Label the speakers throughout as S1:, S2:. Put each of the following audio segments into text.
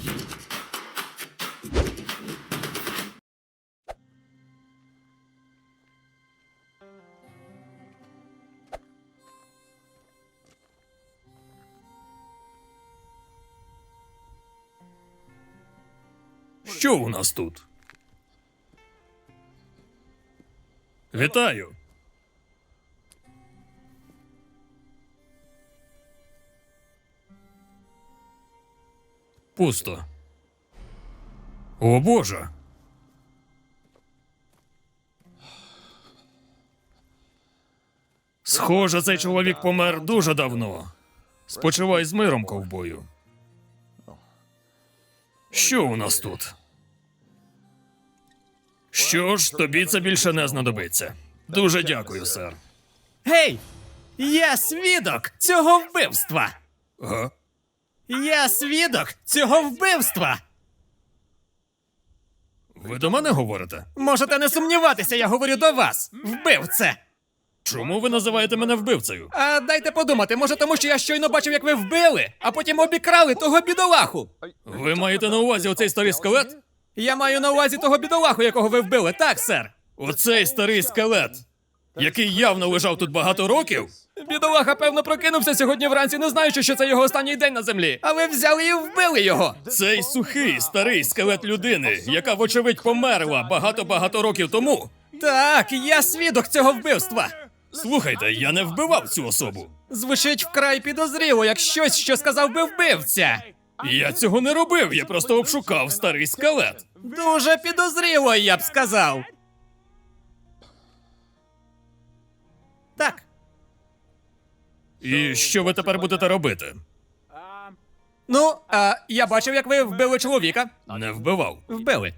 S1: Що у нас тут? Вітаю. Пусто. О, Боже. Схоже, цей чоловік помер дуже давно. Спочивай з миром, ковбою. Що у нас тут? Що ж, тобі це більше не знадобиться. Дуже дякую, сер.
S2: Гей! Я свідок цього вбивства!
S1: Га?
S2: Я свідок цього вбивства!
S1: Ви до мене говорите?
S2: Можете не сумніватися, я говорю до вас, вбивце!
S1: Чому ви називаєте мене вбивцею?
S2: А дайте подумати, може тому, що я щойно бачив, як ви вбили, а потім обікрали того бідолаху.
S1: Ви маєте на увазі оцей старий скелет?
S2: Я маю на увазі того бідолаху, якого ви вбили, так, сер?
S1: Оцей старий скелет, який явно лежав тут багато років?
S2: Бідолаха, певно, прокинувся сьогодні вранці, не знаючи, що це його останній день на землі. А ви взяли і вбили його.
S1: Цей сухий, старий скелет людини, яка, вочевидь, померла багато-багато років тому.
S2: Так, я свідок цього вбивства.
S1: Слухайте, я не вбивав цю особу.
S2: Звучить вкрай підозріло, як щось, що сказав би вбивця.
S1: Я цього не робив, я просто обшукав старий скелет.
S2: Дуже підозріло, я б сказав. Так.
S1: І що ви тепер будете робити?
S2: Ну, я бачив, як ви вбили чоловіка.
S1: Не вбивав.
S2: Вбили.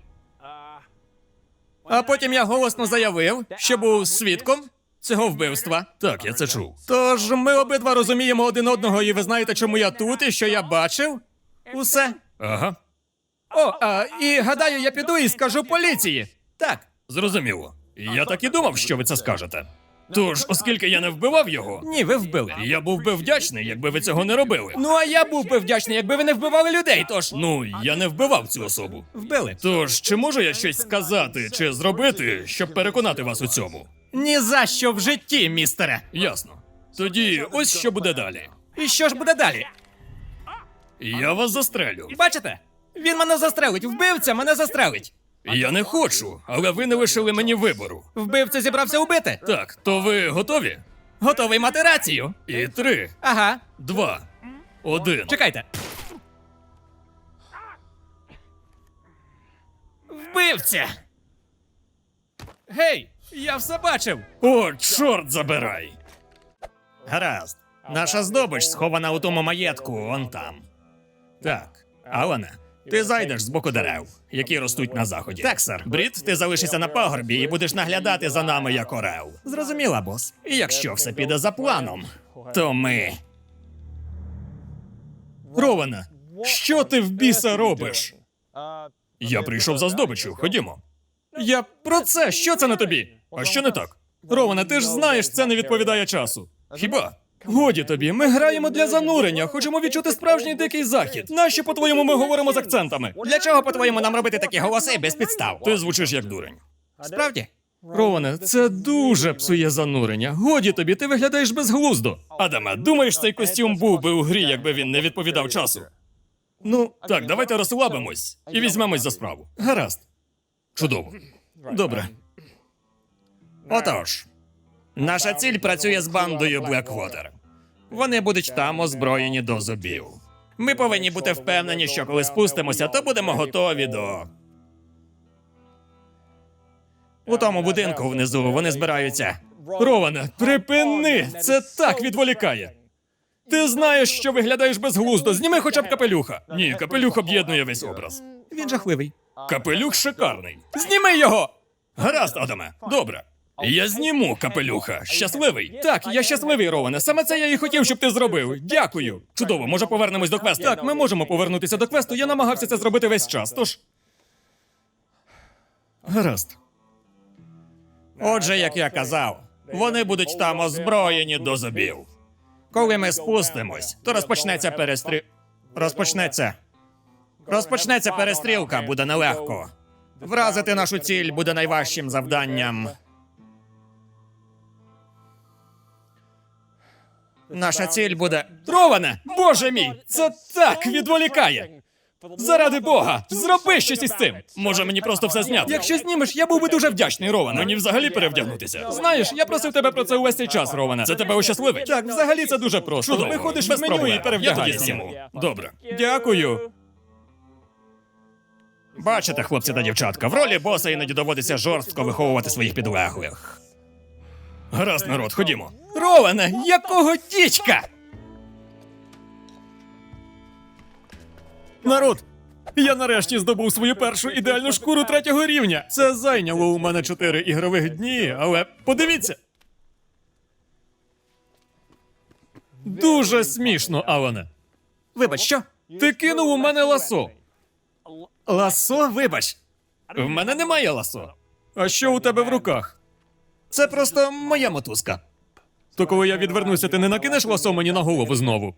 S2: А потім я голосно заявив, що був свідком цього вбивства.
S1: Так, я це чув.
S2: Тож ми обидва розуміємо один одного, і ви знаєте, чому я тут і що я бачив. Усе.
S1: Ага,
S2: О, і гадаю, я піду і скажу поліції. Так.
S1: зрозуміло. Я так і думав, що ви це скажете. Тож, оскільки я не вбивав його,
S2: Ні, ви вбили.
S1: я був би вдячний, якби ви цього не робили.
S2: Ну, а я був би вдячний, якби ви не вбивали людей, тож.
S1: Ну, я не вбивав цю особу.
S2: Вбили.
S1: Тож, чи можу я щось сказати чи зробити, щоб переконати вас у цьому?
S2: Ні за що в житті, містере.
S1: Ясно. Тоді ось що буде далі.
S2: І що ж буде далі?
S1: Я вас застрелю.
S2: Бачите? Він мене застрелить, вбивця мене застрелить.
S1: Я не хочу, але ви не лишили мені вибору.
S2: Вбивця зібрався убити.
S1: Так, то ви готові?
S2: Готовий мати рацію.
S1: І 3,
S2: Ага.
S1: 2, 1.
S2: Чекайте. Вбивця! Гей, я все бачив.
S1: О, чорт забирай!
S2: Гаразд. Наша здобич схована у тому маєтку, он там.
S1: Так,
S2: Алане, ти зайдеш з боку дерев, які ростуть на заході. Так, сер. Брід, ти залишишся на пагорбі і будеш наглядати за нами як орел. Зрозуміла, бос. І якщо все піде за планом, то ми.
S1: Роване, що ти в біса робиш? Я прийшов за здобиччю, ходімо.
S2: Я про це, що це на тобі?
S1: А що не так?
S2: Роване, ти ж знаєш, це не відповідає часу.
S1: Хіба?
S2: Годі тобі, ми граємо для занурення, хочемо відчути справжній дикий захід. Нащо, по-твоєму, ми говоримо з акцентами? Для чого, по-твоєму, нам робити такі голоси без підстав?
S1: Ти звучиш як дурень.
S2: Справді?
S1: Роване, це дуже псує занурення. Годі тобі, ти виглядаєш безглуздо. Адаме, думаєш, цей костюм був би у грі, якби він не відповідав часу?
S2: Ну,
S1: Так, давайте розслабимось і візьмемось за справу.
S2: гаразд.
S1: Чудово.
S2: Добре. Отож, наша ціль працює з бандою Блеквотер. Вони будуть там озброєні до зубів. Ми повинні бути впевнені, що коли спустимося, то будемо готові до. У тому будинку внизу вони збираються.
S1: Роване, припини! Це так відволікає. Ти знаєш, що виглядаєш безглуздо. Зніми хоча б капелюха. Ні, капелюх об'єднує весь образ.
S2: Він жахливий.
S1: Капелюх шикарний.
S2: Зніми його!
S1: Гаразд, Адаме, добре. Я зніму капелюха. Щасливий?
S2: Так, я щасливий, Роване. Саме це я і хотів, щоб ти зробив. Дякую.
S1: Чудово, може повернемось до квесту?
S2: Так, ми можемо повернутися до квесту. Я намагався це зробити весь час, тож.
S1: Гаразд.
S2: Отже, як я казав, вони будуть там озброєні до зубів. Коли ми спустимось, то розпочнеться. Розпочнеться перестрілка, буде нелегко. Вразити нашу ціль буде найважчим завданням. Наша ціль буде.
S1: Роване! Боже мій! Це так відволікає! Заради Бога, зроби щось із цим!
S2: Може мені просто все зняти?
S1: Якщо знімеш, я був би дуже вдячний, Роване.
S2: Мені взагалі перевдягнутися.
S1: Знаєш, я просив тебе про це увесь цей час, Роване.
S2: Це тебе ощасливить?
S1: Так, взагалі це дуже просто.
S2: Чудово.
S1: Виходиш
S2: Без
S1: в меню
S2: проблем.
S1: і перевдягаєшся.
S2: Я тоді зніму. Добре.
S1: Дякую.
S2: Бачите, хлопці та дівчатка, в ролі боса іноді доводиться жорстко виховувати своїх підлеглих. Гаразд, народ, ходімо.
S1: Роване, якого дідька? Народ, я нарешті здобув свою першу ідеальну шкуру 3-го рівня. Це зайняло у мене 4 ігрових дні, але подивіться. Дуже смішно, Алане.
S2: Вибач, що?
S1: Ти кинув у мене ласо.
S2: Ласо? Вибач. В мене немає ласо.
S1: А що у тебе в руках?
S2: Це просто моя мотузка.
S1: То коли я відвернуся, ти не накинеш ласо мені на голову знову?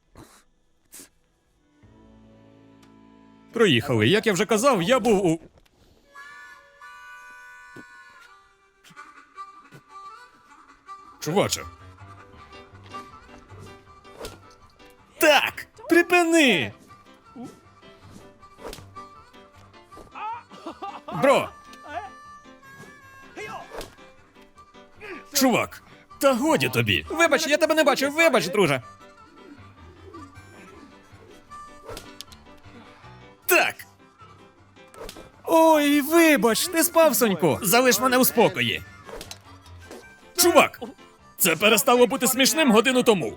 S1: Проїхали. Як я вже казав, я був у.
S2: Чуваче.
S1: Так! Припини!
S2: Бро! Чувак, та годі тобі.
S1: Вибач, я тебе не бачив, вибач, друже.
S2: Так,
S1: Ой, вибач, ти спав, Сонько.
S2: залиш мене у спокої. Чувак, це перестало бути смішним годину тому.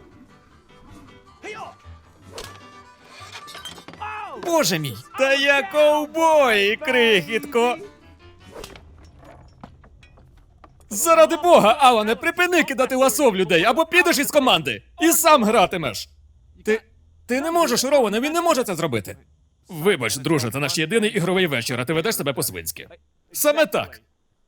S1: Боже мій! Та я ковбой, крихітко! Заради Бога, Алане, припини кидати ласо в людей, або підеш із команди і сам гратимеш. Ти не можеш, Роване, він не може це зробити.
S2: Вибач, друже, це наш єдиний ігровий вечір, а ти ведеш себе по-свинськи.
S1: Саме так.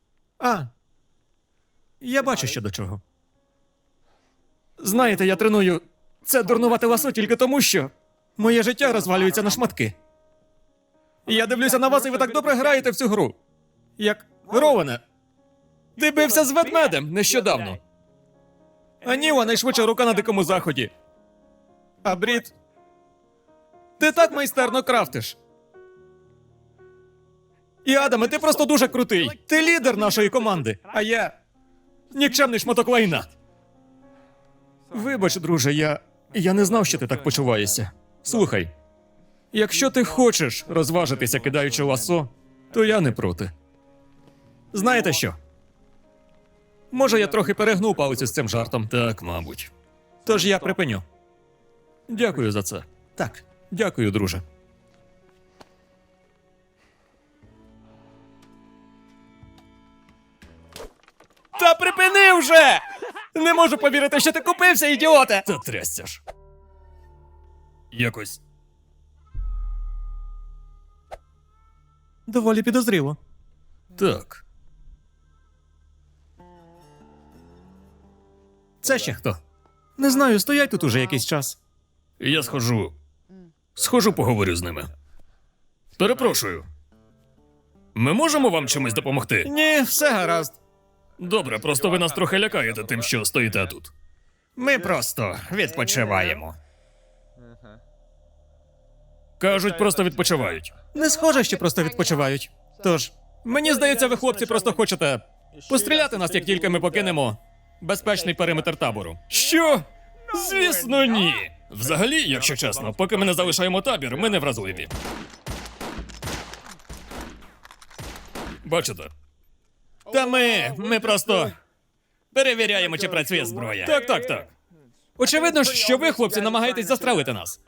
S1: Я бачу що до чого. Знаєте, я треную це дурнувате ласо тільки тому, що моє життя розвалюється на шматки. Я дивлюся на вас, і ви так добре граєте в цю гру. Як Роване, ти бився з ведмедем нещодавно. А Ніла найшвидша рука на дикому заході. А Брід, ти так майстерно крафтиш. І Адаме, ти просто дуже крутий. Ти лідер нашої команди, а я нікчемний шматок лайна. Вибач, друже, я не знав, що ти так почуваєшся. Слухай, якщо ти хочеш розважитися, кидаючи ласо, то я не проти. Знаєте що? Може, я трохи перегнув палицю з цим жартом.
S2: Так, мабуть.
S1: Тож я припиню. Дякую за це. Так, дякую, друже. Та припини вже! Не можу повірити, що ти купився, ідіоте!
S2: Та трясся ж. Якось.
S1: Доволі підозріло.
S2: Так.
S1: Це ще хто? Не знаю, стоять тут уже якийсь час.
S2: Я схожу. Схожу, поговорю з ними. Перепрошую. Ми можемо вам чимось допомогти?
S1: Ні, все гаразд.
S2: Добре, просто ви нас трохи лякаєте тим, що стоїте тут. Ми просто відпочиваємо. Кажуть, просто відпочивають.
S1: Не схоже, що просто відпочивають. Тож, мені здається, ви, хлопці, просто хочете постріляти нас, як тільки ми покинемо безпечний периметр табору.
S2: Що? Звісно, ні. Взагалі, якщо чесно, поки ми не залишаємо табір, ми не вразливі. Бачите?
S1: Та ми просто.
S2: Перевіряємо, чи працює зброя.
S1: Так. Очевидно, що ви, хлопці, намагаєтесь застрелити нас.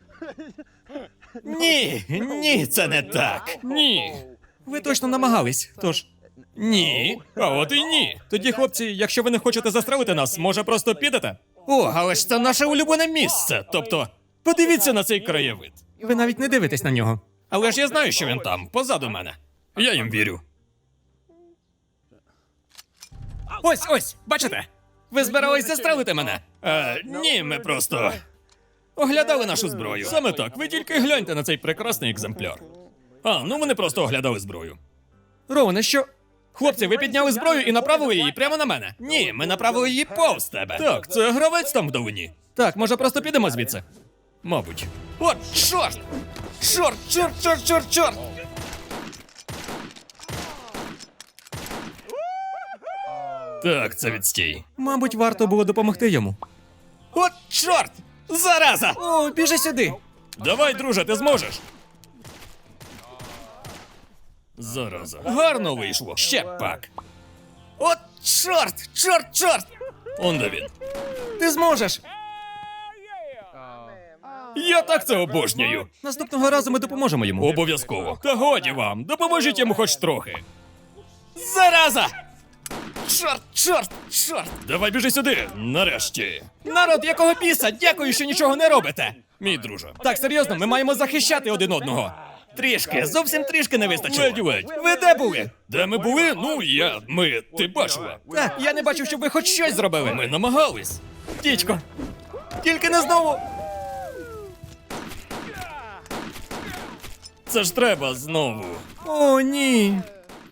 S2: Ні, це не так.
S1: Ні. Ви точно намагались, тож.
S2: Ні. А от і ні.
S1: Тоді, хлопці, якщо ви не хочете застрелити нас, може просто підете?
S2: О, але ж це наше улюблене місце. Тобто, подивіться на цей краєвид.
S1: Ви навіть не дивитесь на нього.
S2: Але ж я знаю, що він там, позаду мене. Я їм вірю.
S1: Ось, бачите? Ви збирались застрелити мене?
S2: Ні, ми просто. Оглядали нашу зброю. Саме так, ви тільки гляньте на цей прекрасний екземпляр. А, ну вони просто оглядали зброю.
S1: Роване, що?
S2: Хлопці, ви підняли зброю і направили її прямо на мене. Ні, ми направили її повз тебе. Так, це гравець там вдалині.
S1: Так, може просто підемо звідси?
S2: Мабуть. От, чорт! Чорт! Так, це відстій.
S1: Мабуть, варто було допомогти йому.
S2: От, чорт! Зараза!
S1: О, біжи сюди!
S2: Давай, друже, ти зможеш. Зараза. Гарно вийшло. Ще пак. От, чорт! Он де він.
S1: Ти зможеш!
S2: Я так це обожнюю.
S1: Наступного разу ми допоможемо йому.
S2: Обов'язково. Та годі вам, допоможіть йому хоч трохи. Зараза! Чорт! Давай біжи сюди, нарешті.
S1: Народ, якого біса? Дякую, що нічого не робите!
S2: Мій друже.
S1: Так, серйозно, ми маємо захищати один одного.
S2: Трішки, зовсім трішки не вистачило. Ледь.
S1: Ви де були?
S2: Де ми були? Ну, ти бачила.
S1: Так, я не бачив, щоб ви хоч щось зробили.
S2: Ми намагались.
S1: Дідько, тільки не знову.
S2: Це ж треба знову.
S1: О, ні.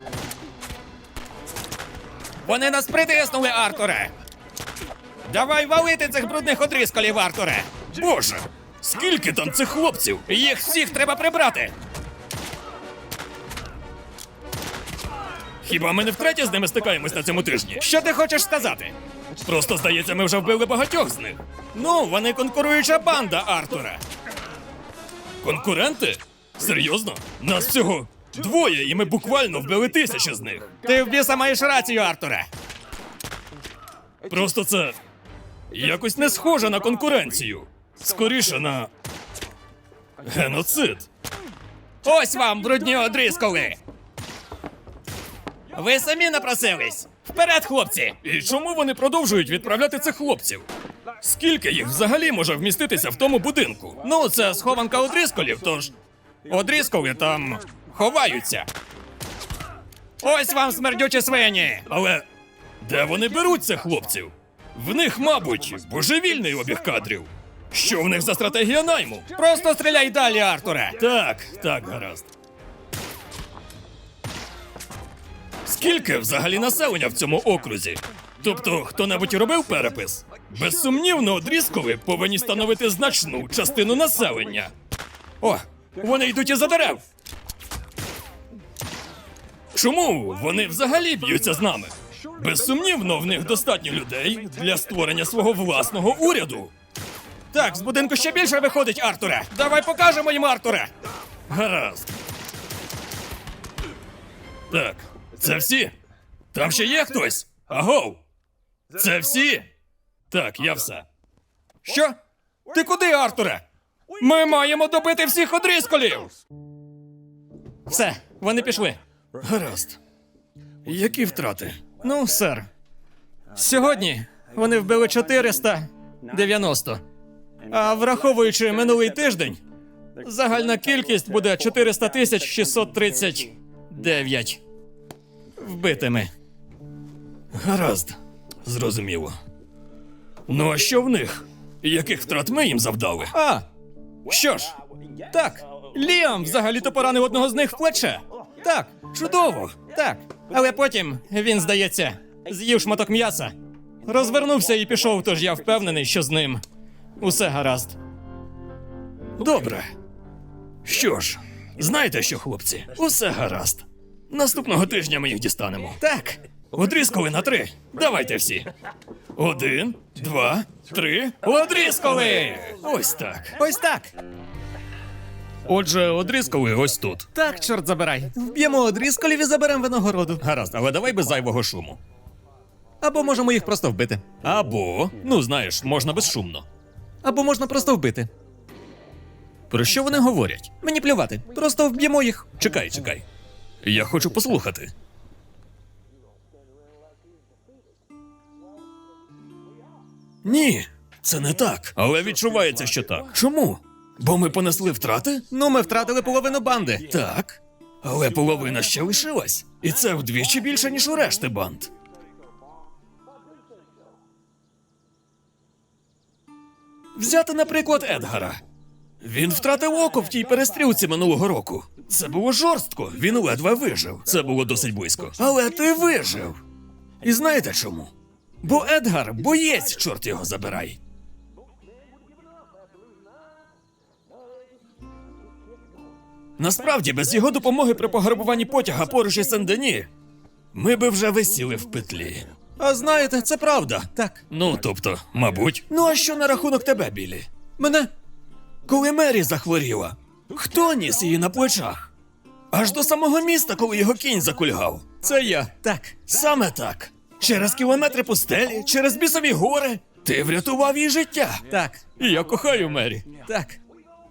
S2: Вони нас притиснули, Артуре! Давай валити цих брудних одрискалів, Артуре! Боже! Скільки там цих хлопців? Їх всіх треба прибрати! Хіба ми не втретє з ними стикаємось на цьому тижні? Що ти хочеш сказати? Просто, здається, ми вже вбили багатьох з них. Ну, вони конкуруюча банда, Артуре. Конкуренти? Серйозно? Нас всього двоє, і ми буквально вбили 1000 з них.
S1: Ти в біса маєш рацію, Артуре.
S2: Просто це якось не схоже на конкуренцію. Скоріше на геноцид.
S1: Ось вам, брудні одрисколи. Ви самі напросились. Вперед, хлопці!
S2: І чому вони продовжують відправляти цих хлопців? Скільки їх взагалі може вміститися в тому будинку?
S1: Ну, це схованка одрисколів, тож одрисколи там ховаються. Ось вам, смердючі свині!
S2: Але де вони беруть цих хлопців? В них, мабуть, божевільний обіг кадрів. Що в них за стратегія найму?
S1: Просто стріляй далі, Артуре!
S2: Так, гаразд. Скільки взагалі населення в цьому окрузі? Тобто, хто-небудь робив перепис? Безсумнівно, одрізкові повинні становити значну частину населення. О, вони йдуть із-за дерев. Чому вони взагалі б'ються з нами? Безсумнівно, в них достатньо людей для створення свого власного уряду.
S1: Так, з будинку ще більше виходить, Артуре! Давай покажемо їм, Артуре!
S2: Гаразд. Так, це всі? Там ще є хтось? Агов! Це всі? Так, я все.
S1: Що? Ти куди, Артуре? Ми маємо добити всіх одрисколів! Все, вони пішли.
S2: Гаразд. Які втрати?
S1: Ну, сер. Сьогодні вони вбили 490. А враховуючи минулий тиждень, загальна кількість буде 400 639 вбитими.
S2: Гаразд. Зрозуміло. Ну а що в них? Яких втрат ми їм завдали?
S1: А, що ж, так, Ліам взагалі-то поранив одного з них в плече. Так, чудово, так. Але потім він, здається, з'їв шматок м'яса, розвернувся і пішов, тож я впевнений, що з ним усе гаразд.
S2: Добре. Що ж, знаєте що, хлопці? Усе гаразд. Наступного тижня ми їх дістанемо.
S1: Так,
S2: Одрізкали на 3. Давайте всі. 1, 2, 3.
S1: одрисколи!
S2: Ось так.
S1: Ось так.
S2: Отже, одрізкали ось тут.
S1: Так, чорт забирай. Вб'ємо одрисколів і заберемо винагороду.
S2: Гаразд, але давай без зайвого шуму.
S1: Або можемо їх просто вбити.
S2: Або, ну знаєш, можна безшумно.
S1: Або можна просто вбити.
S2: Про що вони говорять?
S1: Мені плювати. Просто вб'ємо їх.
S2: Чекай. Я хочу послухати. Ні, це не так. Але відчувається, що так. Чому? Бо ми понесли втрати?
S1: Ну, ми втратили половину банди.
S2: Так. Але половина ще лишилась. І це вдвічі більше, ніж у решти банд. Взяти, наприклад, Едгара. Він втратив око в тій перестрілці минулого року. Це було жорстко, він ледве вижив. Це було досить близько. Але ти вижив. І знаєте чому? Бо Едгар боєць, чорт його забирай. Насправді, без його допомоги при пограбуванні потяга поруч із Сен-Дені, ми би вже висіли в петлі. А знаєте, це правда.
S1: Так.
S2: Ну, тобто, мабуть. Ну а що на рахунок тебе, Біллі? Мене? Коли Мері захворіла, хто ніс її на плечах? Аж до самого міста, коли його кінь закульгав. Це я.
S1: Так.
S2: Саме так. Через кілометри пустелі, через бісові гори. Ти врятував їй життя.
S1: Так.
S2: І я кохаю Мері.
S1: Так.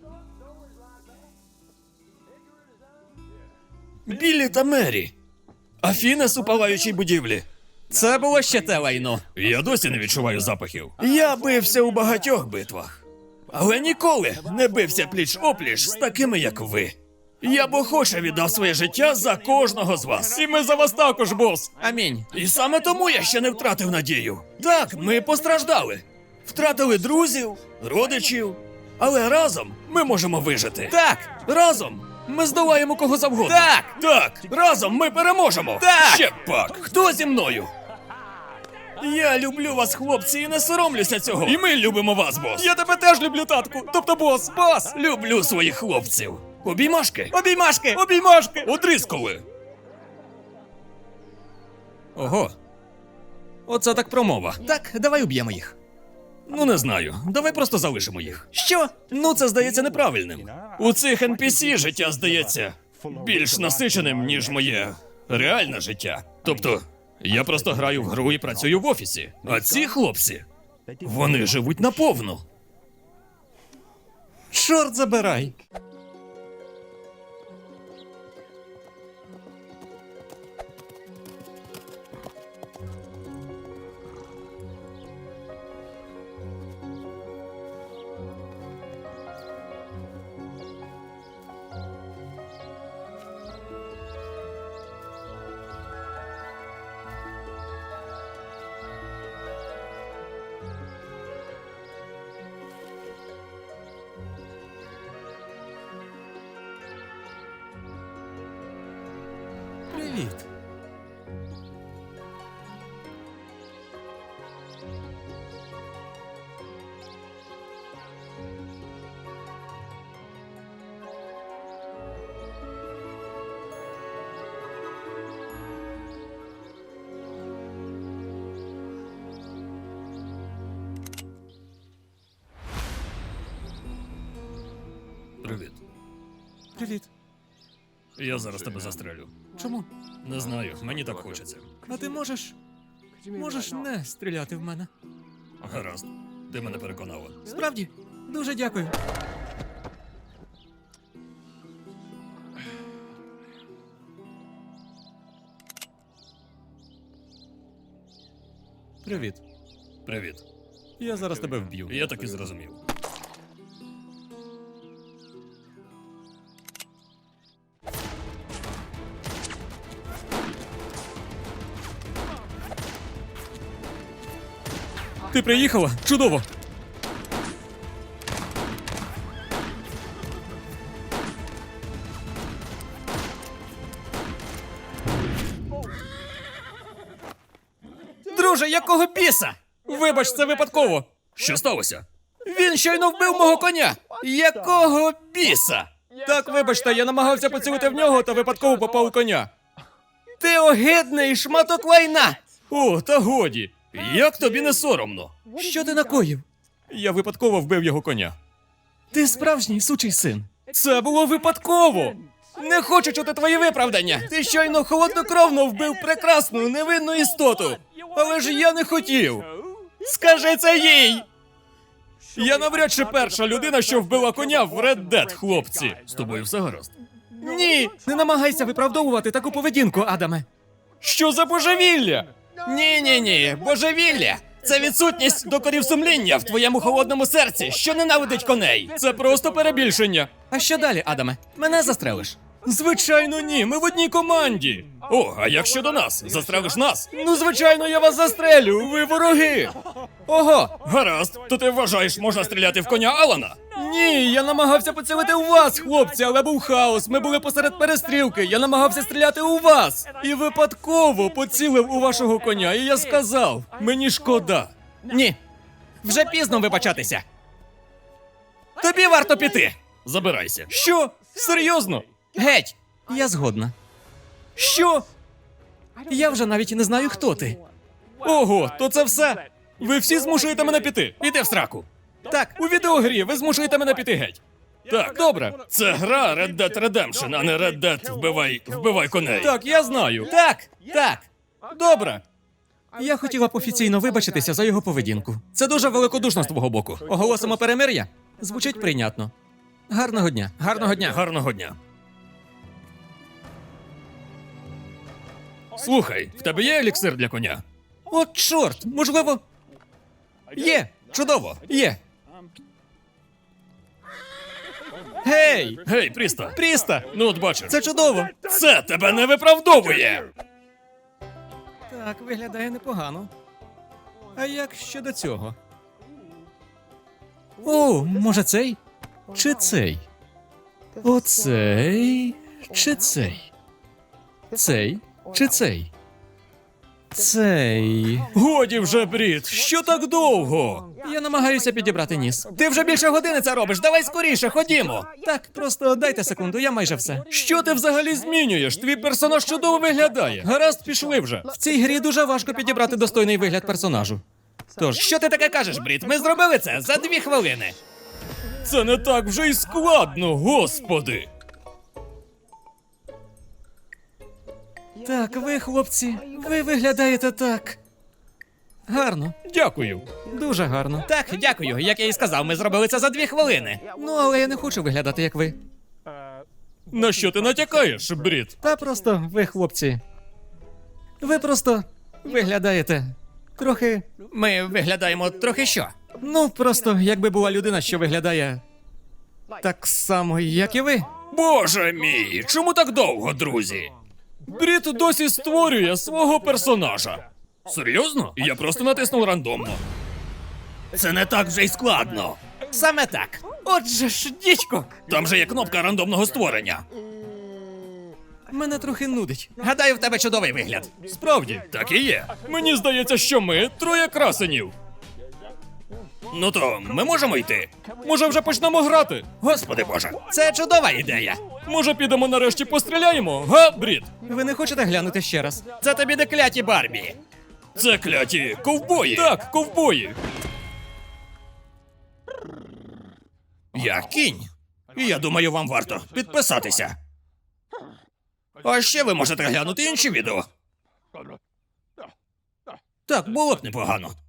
S2: Біллі та Мері. А Фінес у палаючій будівлі.
S1: Це було ще те лайно.
S2: Я досі не відчуваю запахів. Я бився у багатьох битвах. Але ніколи не бився пліч-опліч з такими, як ви. Я б охоче віддав своє життя за кожного з вас.
S1: І ми за вас також, бос. Амінь.
S2: І саме тому я ще не втратив надію. Так, ми постраждали. Втратили друзів, родичів. Але разом ми можемо вижити.
S1: Так.
S2: Разом ми здолаємо кого завгодно.
S1: Так.
S2: Так, разом ми переможемо.
S1: Так.
S2: Ще пак. Хто зі мною? Я люблю вас, хлопці, і не соромлюся цього. І ми любимо вас, бос.
S1: Я тебе теж люблю, татку. Тобто бос. Бос.
S2: Люблю своїх хлопців. Обіймашки?
S1: Обіймашки. Обіймашки.
S2: Одрисколи. Ого. Оце так промова.
S1: Так, давай уб'ємо їх.
S2: Ну, не знаю. Давай просто залишимо їх.
S1: Що?
S2: Ну, це здається неправильним. У цих NPC життя здається більш насиченим, ніж моє реальне життя. Тобто, я просто граю в гру і працюю в офісі. А ці хлопці, вони живуть наповну.
S1: Чорт забирай.
S2: Привіт. Привіт.
S1: Привіт.
S2: Я зараз тебе застрелю.
S1: Чому?
S2: Не знаю, мені так хочеться.
S1: А ти можеш не стріляти в мене.
S2: Гаразд, ти мене переконала.
S1: Справді? Дуже дякую. Привіт.
S2: Привіт.
S1: Я зараз тебе вб'ю.
S2: Я так і зрозумів.
S1: Ти приїхала? Чудово. Друже, якого біса? Вибач, це випадково.
S2: Що сталося?
S1: Він щойно вбив мого коня. Якого біса? Так, вибачте, я намагався поцілити в нього та випадково попав у коня. Ти огидний шматок лайна!
S2: О, та годі. Як тобі не соромно?
S1: Що ти накоїв? Я випадково вбив його коня. Ти справжній сучий син. Це було випадково. Не хочу чути твої виправдання. Ти щойно холоднокровно вбив прекрасну, невинну істоту. Але ж я не хотів. Скажи це їй! Я навряд чи перша людина, що вбила коня в Red Dead, хлопці.
S2: З тобою все гаразд?
S1: Ні, не намагайся виправдовувати таку поведінку, Адаме. Що за божевілля? Ні, божевілля. Це відсутність докорів сумління в твоєму холодному серці, що ненавидить коней. Це просто перебільшення. А що далі, Адаме? Мене застрелиш? Звичайно, ні. Ми в одній команді.
S2: О, а як щодо нас? Застрелиш нас?
S1: Ну, звичайно, я вас застрелю. Ви вороги. Ого!
S2: Гаразд, то ти вважаєш, можна стріляти в коня Алана?
S1: Ні, я намагався поцілити у вас, хлопці, але був хаос. Ми були посеред перестрілки. Я намагався стріляти у вас. І випадково поцілив у вашого коня, і я сказав: мені шкода. Ні. Вже пізно вибачатися. Тобі варто піти.
S2: Забирайся.
S1: Що? Серйозно? Геть! Я згодна. Що? Я вже навіть не знаю, хто ти. Ого, то це все? Ви всі змушуєте мене піти.
S2: Іди в сраку.
S1: Так, у відеогрі ви змушуєте мене піти геть.
S2: Так,
S1: Добре.
S2: це гра Red Dead Redemption, а не Red Dead вбивай коней.
S1: Так, я знаю. Так. Добре. Я хотіла б офіційно вибачитися за його поведінку. Це дуже великодушно з твого боку. Оголосимо перемир'я? Звучить прийнятно. Гарного дня. Гарного дня.
S2: Гарного дня. Слухай, в тебе є еліксир для коня?
S1: От чорт, можливо. Є. Чудово. Є. Гей!
S2: Гей, Пріста.
S1: Пріста!
S2: Ну от бачиш.
S1: Це чудово.
S2: Це тебе не виправдовує.
S1: Так, виглядає непогано. А як щодо цього? О, може цей? Чи цей? Оцей? Чи цей? Цей? Чи цей? Цей.
S2: Годі вже, Брід, що так довго?
S1: Я намагаюся підібрати ніс. Ти вже більше години це робиш. Давай скоріше, ходімо. Так, просто дайте секунду, я майже все.
S2: Що ти взагалі змінюєш? Твій персонаж чудово виглядає. Гаразд, пішли вже.
S1: В цій грі дуже важко підібрати достойний вигляд персонажу. Тож, що ти таке кажеш, Брід? Ми зробили це за 2 хвилини.
S2: Це не так вже й складно, господи.
S1: Так, ви, хлопці, ви виглядаєте так. Гарно.
S2: Дякую.
S1: Дуже гарно. Так, дякую. Як я і сказав, ми зробили це за 2 хвилини. Ну, але я не хочу виглядати, як ви.
S2: На що ти натякаєш, Брід?
S1: Та просто ви, хлопці. Ви просто виглядаєте трохи.
S2: Ми виглядаємо трохи що?
S1: Ну, просто якби була людина, що виглядає так само, як і ви.
S2: Боже мій, чому так довго, друзі? Брід досі створює свого персонажа. Серйозно? Я просто натиснув рандомно. Це не так вже й складно.
S1: Саме так. Отже ж, дідько.
S2: Там же є кнопка рандомного створення.
S1: Мене трохи нудить. Гадаю, в тебе чудовий вигляд.
S2: Справді, так і є. Мені здається, що ми троє красенів. Ну то ми можемо йти. Може, вже почнемо грати? Господи Боже,
S1: Це чудова ідея.
S2: може підемо нарешті постріляємо, га, Брід?
S1: Ви не хочете глянути ще раз? Це тобі не кляті Барбі.
S2: Це кляті ковбої. Так, ковбої. Я кінь. І я думаю, вам варто підписатися. А ще ви можете глянути інші відео. Так, було б непогано.